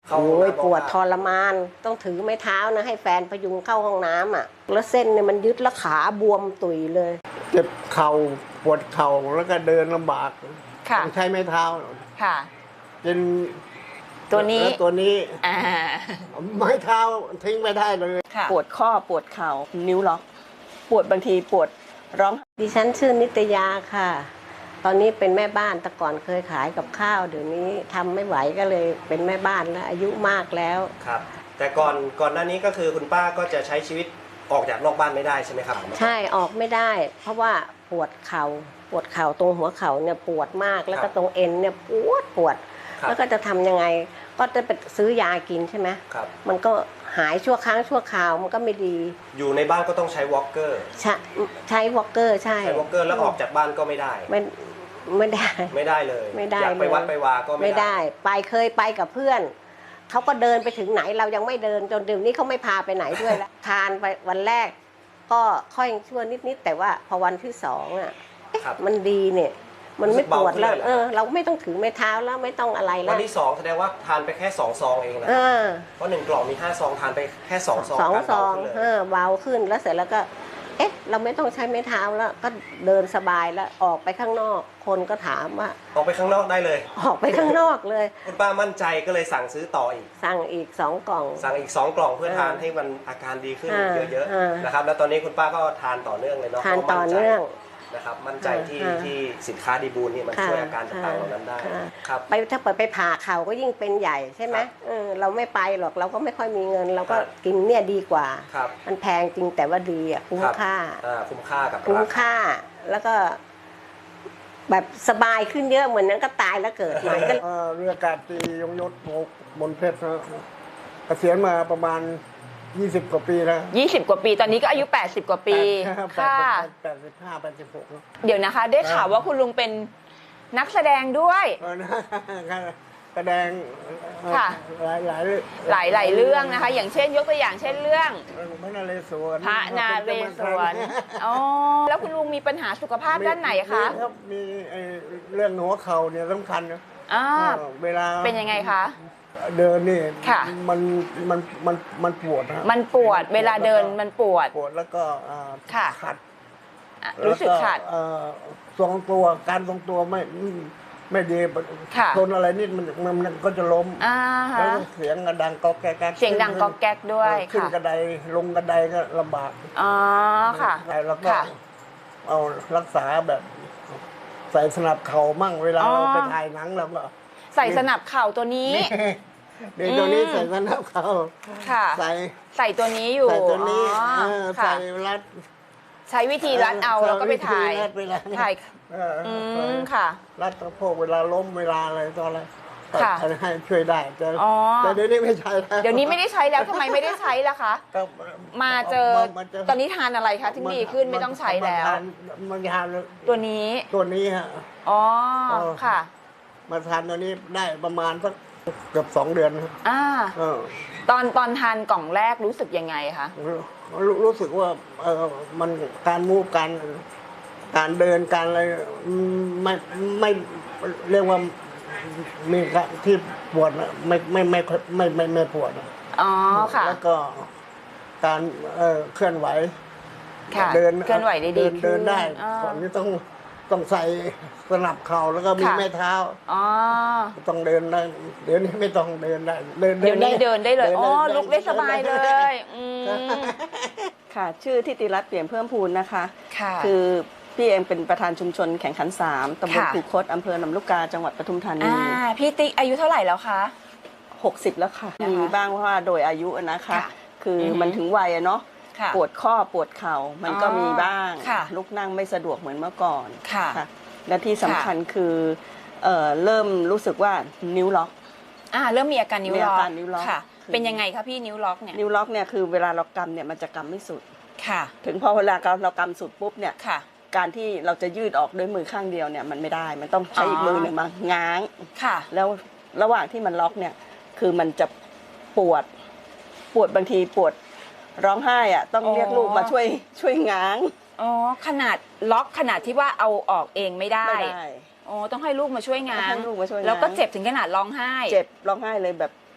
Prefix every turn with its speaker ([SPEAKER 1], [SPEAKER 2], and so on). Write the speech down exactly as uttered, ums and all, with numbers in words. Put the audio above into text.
[SPEAKER 1] โอ้ยปวดทรมานต้องถือไม้เท้านะให้แฟนพยุงเข้าห้องน้ำอ่ะแล้วเส้นเนี่ยมันยึดแล้วขาบวมตุยเลย
[SPEAKER 2] เจ็บเข่าปวดเข่าแล้วก็เดินลำบากต้องใช้ไม้เท้า
[SPEAKER 3] ค่ะ
[SPEAKER 2] เป็น
[SPEAKER 3] ตัวนี้
[SPEAKER 2] ตัวนี้
[SPEAKER 3] อ่า
[SPEAKER 2] ไม้เท้าทิ้งไม่ได้เลย
[SPEAKER 4] ปวดข้อปวดเข่านิ้วล็อกปวดบางทีปวดร้อง
[SPEAKER 1] ดิฉันชื่อนิตยาค่ะตอนนี้เป็นแม่บ้านแต่ก่อนเคยขายกับข้าวเดี๋ยวนี้ทำไม่ไหวก็เลยเป็นแม่บ้านแล้วอายุมากแล้ว
[SPEAKER 5] ครับแต่ก่อนก่อนหน้านี้ก็คือคุณป้าก็จะใช้ชีวิตออกจากนอกบ้านไม่ได้ใช่ไหมครับ
[SPEAKER 1] ใช่ออกไม่ได้เพราะว่าปวดเข่าปวดเข่าตรงหัวเข่าเนี่ยปวดมากแล้วก็ตรงเอ็นเนี่ยปวดปวดแล้วก็จะทำยังไงก็จะไปซื้อยากินใช่ไหม
[SPEAKER 5] ครับ
[SPEAKER 1] มันก็หายชั่วครั้งชั่วคราวมันก็ไม่ดี
[SPEAKER 5] อยู่ในบ้านก็ต้องใช้วอล์กเกอร์
[SPEAKER 1] ใช้ใช้วอล์กเกอร์ใช่
[SPEAKER 5] ใช้วอล์กเกอร์แล้วออกจากบ้านก็ไม่ได้
[SPEAKER 1] ไม่ไม่ได้
[SPEAKER 5] ไม่ได้เลย
[SPEAKER 1] ไม่ได้
[SPEAKER 5] อยากไปวัดไปวาก็
[SPEAKER 1] ไม่ได้ไปเคยไปกับเพื่อนเขาก็เดินไปถึงไหนเรายังไม่เดินจนเดี๋ยวนี้เขาไม่พาไปไหนด้วยแล้วทานไปวันแรกก็ค่อยชั่วนิดๆแต่ว่าพอวันที่สองอ่ะมันดีเนี่ยมันไม่ปวดแล้วเออเราไม่ต้องถือไม้เท้าแล้วไม่ต้องอะไรแล้ว
[SPEAKER 5] วันที่สองแสดงว่าทานไปแค่สองซองเองนะเพราะหนึ่งกล่องมีห้าซองทานไปแค่สองซอง
[SPEAKER 1] สองซองเออเบาขึ้นแล้วเสร็จแล้วก็เอ๊ะเราไม่ต้องใช้ไม้เท้าแล้วก็เดินสบายแล้วออกไปข้างนอกคนก็ถามว่า
[SPEAKER 5] ออกไปข้างนอกได้เลย
[SPEAKER 1] ออกไปข้างนอกเลย
[SPEAKER 5] คุณป้ามั่นใจก็เลยสั่งซื้อต่ออีก
[SPEAKER 1] สั่งอีกสองกล่อง
[SPEAKER 5] สั่งอีกสองกล่องเพื่อทานให้มันอาการดีขึ้นเยอะๆนะครับแล้วตอนนี้คุณป้าก็ทานต่อเนื่องเลยเนาะ
[SPEAKER 1] ทานต่อเนื่อง
[SPEAKER 5] นะครับมั่นใจที่ที่สินค้าดีบูลนี่มันช่วยอาการต่างๆเหล่านั้นได้ครับ
[SPEAKER 1] ไปถ้าเปิดไปผ่าเข่าก็ยิ่งเป็นใหญ่ใช่ไหมเออเราไม่ไปหรอกเราก็ไม่ค่อยมีเงินเราก็กินเนี่ยดีกว่ามันแพงจริงแต่ว่าดีอ่ะคุ้มค่า
[SPEAKER 5] คุ้มค่ากับ
[SPEAKER 1] คุ้มค่าแล้วก็แบบสบายขึ้นเยอะเหมือนนั้นก็ตายแล้วเกิดใหม่ก็
[SPEAKER 2] เรืออากาศตรียงยศบนเพชรนะเกษียณมาประมาณยี่สิบกว่าปีแล้ว
[SPEAKER 3] ยี่สิบกว่าปีตอนนี้ก็อายุแปดสิบกว่าปี
[SPEAKER 2] ค่ะแปดสิบห้า แปดสิบหก
[SPEAKER 3] เดี๋ยวนะคะได้ข่าวว่าคุณลุงเป็นนักแสดงด้วย
[SPEAKER 2] แสดง
[SPEAKER 3] ค่ะหลายหลายหลายหลายเรื่องนะคะอย่างเช่นยกตัวอย่างเช่นเรื่อง
[SPEAKER 2] พระนาเรศวร
[SPEAKER 3] พระนาเรศวรอ๋อแล้วคุณลุงมีปัญหาสุขภาพด้านไหนคะ
[SPEAKER 2] มีเรื่องหัวเข่าเนี่ยสำคัญนะเวลา
[SPEAKER 3] เป็นยังไงคะ
[SPEAKER 2] เดินนี่มันมันมันมันปวดนะ
[SPEAKER 3] มันปวดเวลาเดินมันปวด
[SPEAKER 2] ปวดแล้วก็ขัด
[SPEAKER 3] รู้สึกขัด
[SPEAKER 2] ทรงตัวการทรงตัวไม่ไม่ดีทนอะไรนิดมันมันก็จะล้มแล้วเสียงดังก๊อกแก๊ก
[SPEAKER 3] เสียงดังก๊อกแก๊กด้วย
[SPEAKER 2] ขึ้นกระไดลงกระไดก็ลำบาก
[SPEAKER 3] อ๋อค่ะ
[SPEAKER 2] แล้วก็เอารักษาแบบใส่สนับเข่ามั่งเวลาเราไปถ่ายหนังแล้วก็
[SPEAKER 3] ใส่สนับเข่าตัวนี้
[SPEAKER 2] เดี๋ยวตัวนี้ใส่สนับเข่าใส่
[SPEAKER 3] ใส่ตัวนี้อยู่
[SPEAKER 2] ใส่ตัวนี้ใส่รัด
[SPEAKER 3] ใช้วิธีรัดเอาแล้วก็ไปถ่ายถ่ายอืมค่ะ
[SPEAKER 2] รัดสะโพกเวลาล้มเวลาอะไรต่ออะไรให้ช่วยได้แต่แต่เดี๋ยวนี้ไม่ใช้แล้ว
[SPEAKER 3] เดี๋ยวนี้ไม่ได้ใช้แล้วทำไมไม่ได้ใช้ล่ะคะมาเจอตอนนี้ทานอะไรคะที่ดีขึ้นไม่ต้องใช้แล้ว
[SPEAKER 2] มันทาน
[SPEAKER 3] ตัวนี้
[SPEAKER 2] ตัวนี้ฮะ
[SPEAKER 3] อ๋อค่ะ
[SPEAKER 2] มาทานตัวนี้ได้ประมาณสักเกือบสองเดือน
[SPEAKER 3] อ่าตอนตอนทานกล่องแรกรู้สึกยังไงคะ
[SPEAKER 2] รู้สึกว่าเออมันการมูฟการการเดินการอะไรไม่ไม่เรียกว่ามีที่ปวดไม่ไม่ไม่ไม่ไม่ไม่ปวด
[SPEAKER 3] อ๋อค่ะ
[SPEAKER 2] แล้วก็การเออเคลื่อนไหว
[SPEAKER 3] เดินเคลื่อนไหวได้ดี
[SPEAKER 2] เดินได้ก่อนนี้ต้องต้องใส่สนับเข่าแล้วก็มีแม่เท้า
[SPEAKER 3] อ๋อ
[SPEAKER 2] ต้องเดินได้เดี๋ยวนี้ไม่ต้องเดินได้
[SPEAKER 3] เดี๋ยวนี้เดินได้เลยอ๋อลุกได้สบายเลย
[SPEAKER 4] ค่ะชื่อทิติรัตน์เปี่ยมเพิ่มพูนนะคะคือพี่เองเป็นประธานชุมชนแข่งขันสามตำบลคูคตอำเภอลำลูกกาจังหวัดปทุมธานี
[SPEAKER 3] พี่ติ๊กอายุเท่าไหร่แล้วคะ
[SPEAKER 4] หกสิบแล้วค่ะมีบ้างว่าโดยอายุนะคะคือมันถึงวัยเนาะปวดข้อปวดเข่ามันก็มีบ้างลุกนั่งไม่สะดวกเหมือนเมื่อก่อน
[SPEAKER 3] ค่ะ
[SPEAKER 4] และที่สำคัญคือเริ่มรู้สึกว่านิ้วล็อก
[SPEAKER 3] อ่าเริ่มมีอาการนิ้วล็อกค่ะเป็นยังไงคะพี่นิ้วล็อกเนี่ย
[SPEAKER 4] นิ้วล็อกเนี่ยคือเวลาเรากำเนี่ยมันจะกำไม่สุด
[SPEAKER 3] ค่ะ
[SPEAKER 4] ถึงพอเวลาเรากำสุดปุ๊บเนี่ยการที่เราจะยืดออกด้วยมือข้างเดียวเนี่ยมันไม่ได้มันต้องใช้อีกมือหนึ่งมาง้าง
[SPEAKER 3] ค่ะ
[SPEAKER 4] แล้วระหว่างที่มันล็อกเนี่ยคือมันจะปวดปวดบางทีปวดร้องไห้อ่ะต้องเรียกลูกมาช่วยช่วยง้าง
[SPEAKER 3] อ๋อขนาดล็อกขนาดที่ว่าเอาออกเองไม่ได้อ๋อต้องให้ลูกมาช่วยง้างแล้วก็เจ็บถึงขนาดร้องไห้
[SPEAKER 4] เจ็บร้องไห้เลยแบบ